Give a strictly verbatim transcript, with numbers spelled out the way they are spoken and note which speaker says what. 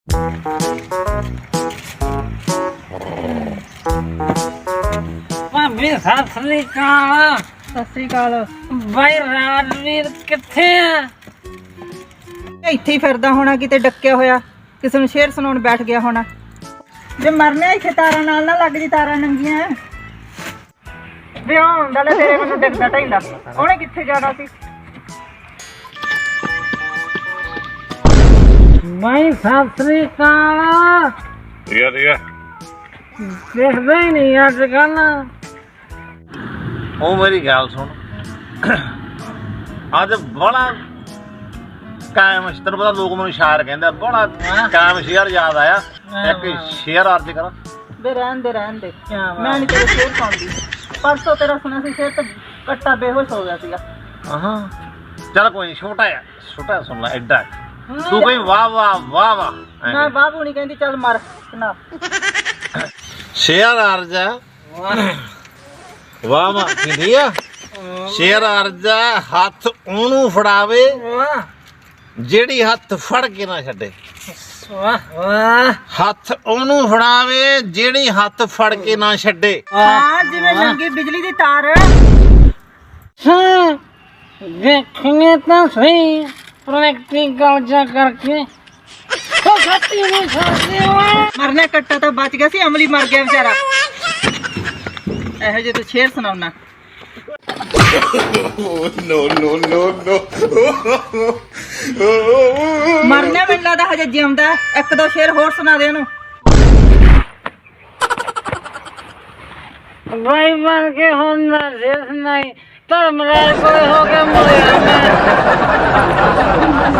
Speaker 1: ਭਾਬੀ ਸਤਿ ਸ੍ਰੀ ਅਕਾਲ।
Speaker 2: ਸਤਿ ਸ੍ਰੀ ਅਕਾਲ।
Speaker 1: ਬਾਈ ਰਾਜਵੀਰ ਕਿੱਥੇ ਆ?
Speaker 2: ਇੱਥੇ ਹੀ ਫਿਰਦਾ ਹੋਣਾ, ਕਿਤੇ ਡੱਕਿਆ ਹੋਇਆ, ਕਿਸੇ ਨੂੰ ਸ਼ੇਰ ਸੁਣਾਉਣ ਬੈਠ ਗਿਆ ਹੋਣਾ। ਜੇ ਮਰਨਾ ਇੱਥੇ ਤਾਰਾਂ ਨਾਲ ਨਾ ਲੱਗ ਜੀ, ਤਾਰਾਂ ਨੰਗੀਆਂ ਵਿਆਹ ਹੁੰਦਾ ਲੈ ਤੇਰੇ ਮੈਨੂੰ ਡੱਕਦਾ ਢੈਂਦਾ। ਉਹਨੇ ਕਿੱਥੇ ਜਾਣਾ ਸੀ?
Speaker 1: ਬਾਈ ਸਤਿ ਸ੍ਰੀ ਅਕਾਲ।
Speaker 3: ਠੀਕ ਆ ਠੀਕ ਆ।
Speaker 1: ਦੇਖਦਾ ਹੀ ਨਹੀਂ ਅੱਜ ਕੱਲ।
Speaker 3: ਉਹ ਮੇਰੀ ਗੱਲ ਸੁਣ, ਅੱਜ ਬੜਾ ਕਾਇਮ ਤੈਨੂੰ ਪਤਾ ਲੋਕ ਮੈਨੂੰ ਸ਼ਾਇਰ ਕਹਿੰਦੇ, ਬੜਾ ਕਾਇਮ ਸ਼ੇਰ ਯਾਦ ਆਇਆ। ਇੱਕ ਸ਼ੇਰ ਅਰਜ ਕਰਾਂ।
Speaker 2: ਵੇ ਰਹਿਣ ਦੇ ਰਹਿਣ ਦੇ, ਮੈਂ ਨਹੀਂ ਤੇਰੇ ਸ਼ੇਰ ਸੁਣਦੀ। ਪਰਸੋਂ ਤੇਰਾ ਸੁਣਿਆ ਸੀ ਸ਼ੇਰ ਤੇ ਕੱਟਾ ਬੇਹੋਸ਼ ਹੋ ਗਿਆ ਸੀਗਾ।
Speaker 3: ਹਾਂ ਚੱਲ ਕੋਈ ਨੀ, ਛੋਟਾ ਆ ਛੋਟਾ ਆ, ਸੁਣ ਲੈ ਐਡਾ ਤੂੰ ਕੋਈ ਵਾਹ ਵਾਹ ਵਾਹ ਵਾਹ
Speaker 2: ਮੈਂ ਬਾਬੂ ਨਹੀਂ ਕਹਿੰਦੀ, ਚੱਲ ਮਰ ਨਾ।
Speaker 3: ਸ਼ੇਰ ਅਰਜ ਆ, ਵਾਹ ਵਾਹ ਕਹਿੰਦੀ ਆ। ਸ਼ੇਰ ਅਰਜ ਆ, ਹੱਥ ਉਹਨੂੰ ਫੜਾਵੇ ਜਿਹੜੀ ਹੱਥ ਫੜ ਕੇ ਨਾ ਛੱਡੇ। ਹੱਥ ਉਹਨੂੰ ਫੜਾਵੇ ਜਿਹੜੀ ਹੱਥ ਫੜ ਕੇ ਨਾ ਛੱਡੇ।
Speaker 2: ਹਾਂ ਜਿਵੇਂ ਲੰਗੀ ਬਿਜਲੀ ਦੀ ਤਾਰ।
Speaker 1: ਹਾਂ ਦੇਖਣੇ ਤਾਂ ਸਹੀ, ਪ੍ਰੈਕਟੀਕਲ ਜਾ ਕਰਕੇ ਉਹ ਸੱਤੀ ਨਹੀਂ ਸਕਦੇ।
Speaker 2: ਮਰਨੇ ਕੱਟਾ ਤਾਂ ਬਚ ਗਿਆ ਸੀ, ਅਮਲੀ ਮਰ ਗਿਆ ਵਿਚਾਰਾ। ਇਹੋ ਜਿਹੇ ਤੂੰ ਸ਼ੇਰ ਸੁਣਾਉਣਾ। ਮਰਨੇ ਮੈਨੂੰ ਲੱਗਦਾ ਹਜੇ ਜਿਉਂਦਾ। ਇੱਕ ਦੋ ਸ਼ੇਰ ਹੋਰ ਸੁਣਾ ਦੇ ਉਹਨੂੰ।
Speaker 1: ਬਾਈ ਬਣ ਕੇ ਹੁਣ ਨਾ ਜਿਸ ਨਹੀਂ ਧਰਮ ਰਾਜ ਕੋਈ ਹੋ ਕੇ ਮੁੜਿਆ ਮੈਂ।